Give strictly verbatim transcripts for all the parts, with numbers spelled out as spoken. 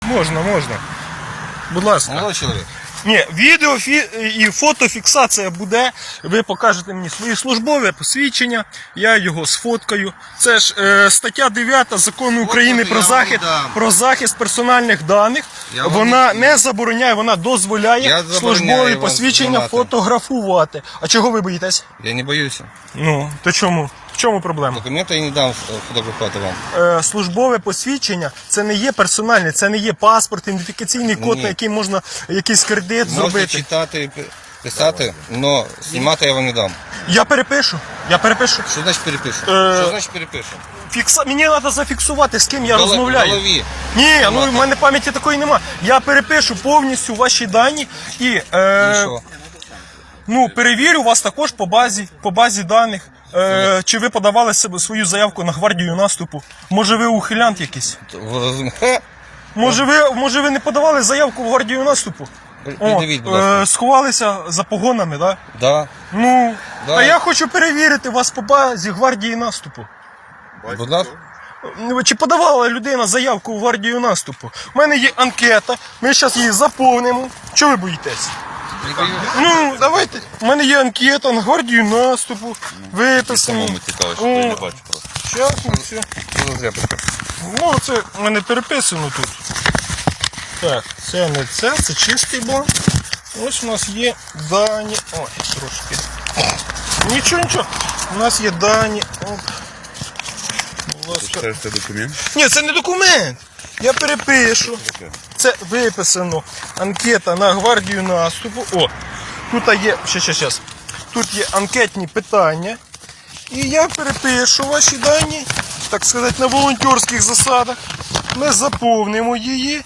Можна, можна. Будь ласка. Молодой чоловік. Ні, відео і фотофіксація буде. Ви покажете мені свої службове посвідчення, я його сфоткаю. Це ж е, стаття дев'ята Закону України про захист, про захист персональних даних. Я вона не, не забороняє, вона дозволяє службові посвідчення фотографувати. А чого ви боїтесь? Я не боюся. Ну, то чому? В чому проблема? Документи я не дам фотографувати вам. Е, службове посвідчення це не є персональне, це не є паспорт, ідентифікаційний код, Ні. на який можна якийсь кредит Можете зробити. Можете читати, писати, але знімати я вам не дам. Я перепишу. Я перепишу. Що значить перепишу? Е... Що значить перепишу? Фікса... Мені треба зафіксувати, з ким я Голов... розмовляю. Голові. Ні, ну в мене пам'яті такої нема. Я перепишу повністю ваші дані і, е... і що? Ну, перевірю вас також по базі, по базі даних. Е, чи ви подавали себе свою заявку на гвардію наступу? Може ви ухилянт якийсь? Може ви, може ви не подавали заявку в гвардію наступу? О, е, сховалися за погонами, так? Да? Да. Ну, да. А я хочу перевірити вас по базі гвардії наступу. Будь ласка. Чи подавала людина заявку в гвардію наступу? У мене є анкета, ми зараз її заповнимо. Чого ви боїтесь? Ну, давайте. У мене є анкета на гвардію наступу. Виписано. Самому цікаво, що я не бачу просто. Щас, ну, все. Ну, це в мене переписано тут. Так, це не це, це чистий бланк. Ось у нас є дані. Ой, трошки. Нічого, нічого. У нас є дані. Оп. Це документ? Ні, це не документ. Я перепишу. Це виписано. Анкета на гвардію наступу. О, тут є, ще, ще, ще. Тут є анкетні питання. І я перепишу ваші дані, так сказати, на волонтерських засадах. Ми заповнимо її.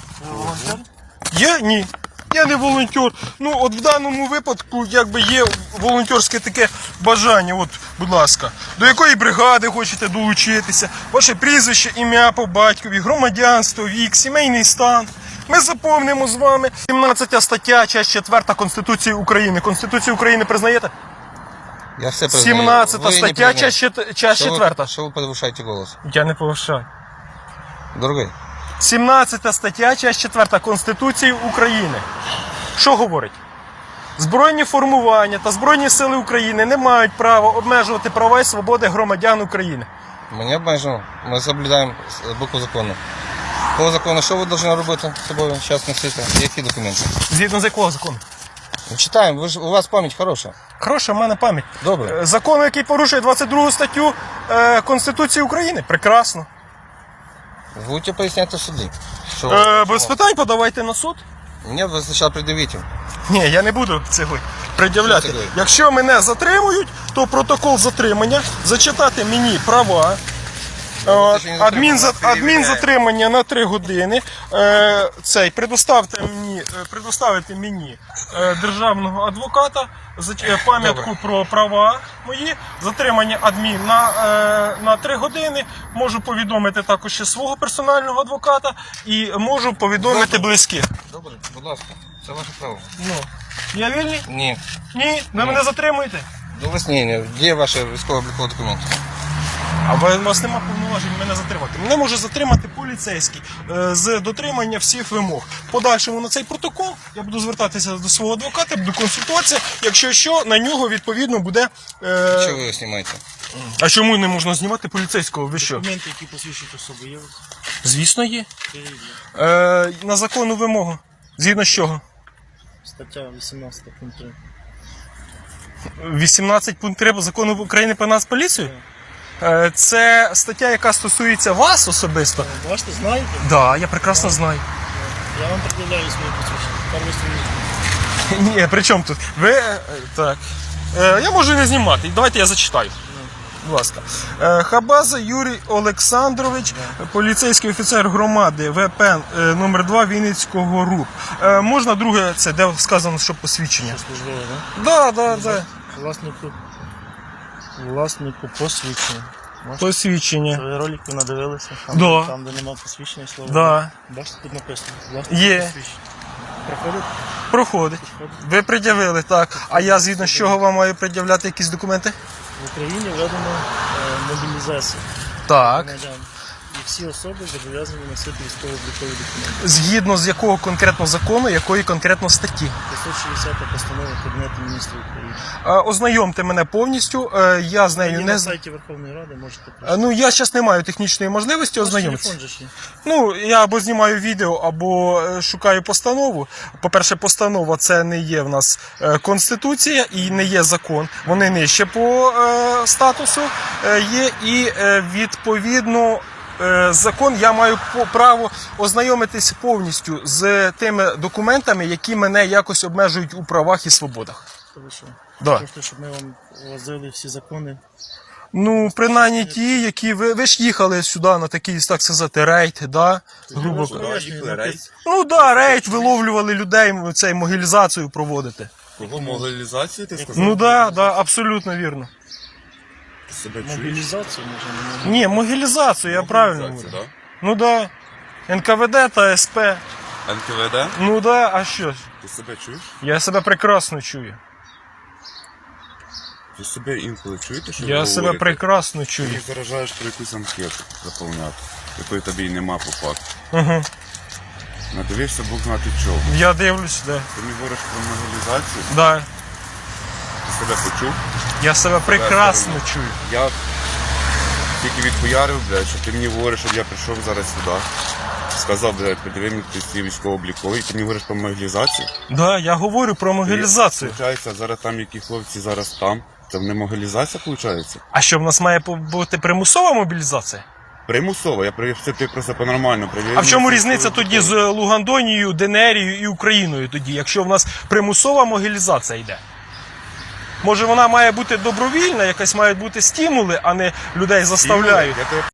Є? Ні. Я не волонтер. Ну, от в даному випадку, якби є волонтерське таке бажання, от, будь ласка, до якої бригади хочете долучитися, ваше прізвище, ім'я по батькові, громадянство, вік, сімейний стан. Ми заповнимо з вами. сімнадцята стаття, частина четверта Конституції України. Конституцію України признаєте? Я все признаю. сімнадцята стаття, частина четверта. Що ви повишаєте голос? Я не повишаю. Дорогий. сімнадцята стаття, частина четверта Конституції України. Що говорить? Збройні формування та Збройні сили України не мають права обмежувати права і свободи громадян України. Ми не обмежуємо. Ми соблюдаємо букву закону. По закону, що ви повинні робити з собою зараз носити? Які документи? Згідно з якого закону? Читаємо, ви ж, у вас пам'ять хороша. Хороша в мене пам'ять. Добре. Закон, який порушує двадцять другу статтю е, Конституції України. Прекрасно. Будете поясняти в суді. Що... Е, без питань подавайте на суд. Мені ви спочатку пред'явіть. Ні, я не буду цього пред'являти. Якщо мене затримують, то протокол затримання, зачитати мені права, адмін, адмін затримання на три години, е, цей, предоставте мені, предоставити мені е, державного адвоката, пам'ятку про права мої, затримання адмін на, е, на три години, можу повідомити також ще свого персонального адвоката і можу повідомити Добре. близьких. Добре, будь ласка, це ваше право. Ну, я вільний? Ні. Ні? Ви Ні. мене затримуєте? До вас ні, ні. Де ваші військово-облікові документи? А у вас немає повноважень мене затримати. Мене може затримати поліцейський е, з дотримання всіх вимог. Подальшому на цей протокол я буду звертатися до свого адвоката, буду консультуватися, якщо що, на нього відповідно буде... Е... Що ви його знімаєте? А чому не можна знімати поліцейського? Ви що? Документи, які посвідчують особу, є? Звісно, є. Е, на законну вимогу. Згідно з чого? Стаття вісімнадцять пункт три. вісімнадцять пункт три Закону України про Нацполіцію? Е, це стаття, яка стосується вас особисто. Бачите, знаєте? Так, да, я прекрасно знаю. Я вам пред'являю своє посвідчення. Ні, при чому тут? Ви, так. Е, я можу не знімати. Давайте я зачитаю. Будь ласка. Е, Хабаза Юрій Олександрович, поліцейський офіцер громади ВП номер два Вінницького РУП. Е, можна друге, це де сказано, що посвідчення? Службове, так? Да, да, да. Власнику, власнику посвідчення. Можете? Посвідчення. Ви ролики надивилися? Там, Да. там де немає посвідчення, слово. Да. Бачите, тут написано. Власник Є. посвідчення. Проходить? Проходить. Ви пред'явили, так. А я згідно з чого вам маю пред'являти якісь документи? В Україні введено е, мобілізацію Так. громадян. І всі особи зобов'язані носити військово-облікові документи. Згідно з якого конкретно закону, якої конкретно статті. п'ятсот шістдесята постанова Кабінету міністрів України. Е, Ознайомте мене повністю, е, я з нею І не на з- сайті Верховної Ради можете Е, прочитати. Ну, я зараз не маю технічної можливості Ваш ознайомитися. телефон же ж є. Ну, я або знімаю відео, або е, шукаю постанову. По-перше, постанова це не є в нас е, конституція і не є закон. Вони нижче по е, статусу е, є, і е, відповідно е, закон я маю по- право ознайомитись повністю з тими документами, які мене якось обмежують у правах і свободах. То ви що? Да. Хочете, щоб ми вам возили всі закони? Ну, принаймні ті, які ви, ви ж їхали сюди на такий, так сказати, рейд, да? Грубо Куди кажучи. їхали, рейс? Ну да, рейд, виловлювали людей, цей могилізацію проводити. Кого мобілізацію ти сказав? Ну да, да, абсолютно вірно. Ти себе чуєш? Мобілізацію може не Ні, могилізацію, я правильно говорю. Мобілізацію, Ну да. ен ка ве де та ес пе. да? ен ка ве де? Ну да, а що ж? Ти себе чуєш? Я себе прекрасно чую. Ви себе інколи чуєте, що ви Я себе говорите? прекрасно Ти чую. їх заражаєш про якусь анкету заповняти, якої тобі й нема по факту. Угу. Надивишся Бог знати чого. Я дивлюсь, да. Ти мені говориш про мобілізацію, Да. ти себе почув. Я себе прекрасно чую. Я тільки відхуярив, блядь, що ти мені говориш, щоб я прийшов зараз сюди. Сказав, блядь, подиви мені ці військово-облікові, ти мені говориш про мобілізацію. Да, я говорю про могилізацію. Получається, зараз там які хлопці зараз там. Це не мобілізація, виходить? А що в нас має по- бути примусова мобілізація? Примусово, я привів це ти просто по-нормально привів. А в чому різниця тоді з Лугандонією, Денерією і Україною тоді, якщо в нас примусова могилізація йде? Може вона має бути добровільна, якась мають бути стимули, а не людей заставляють. Я тебе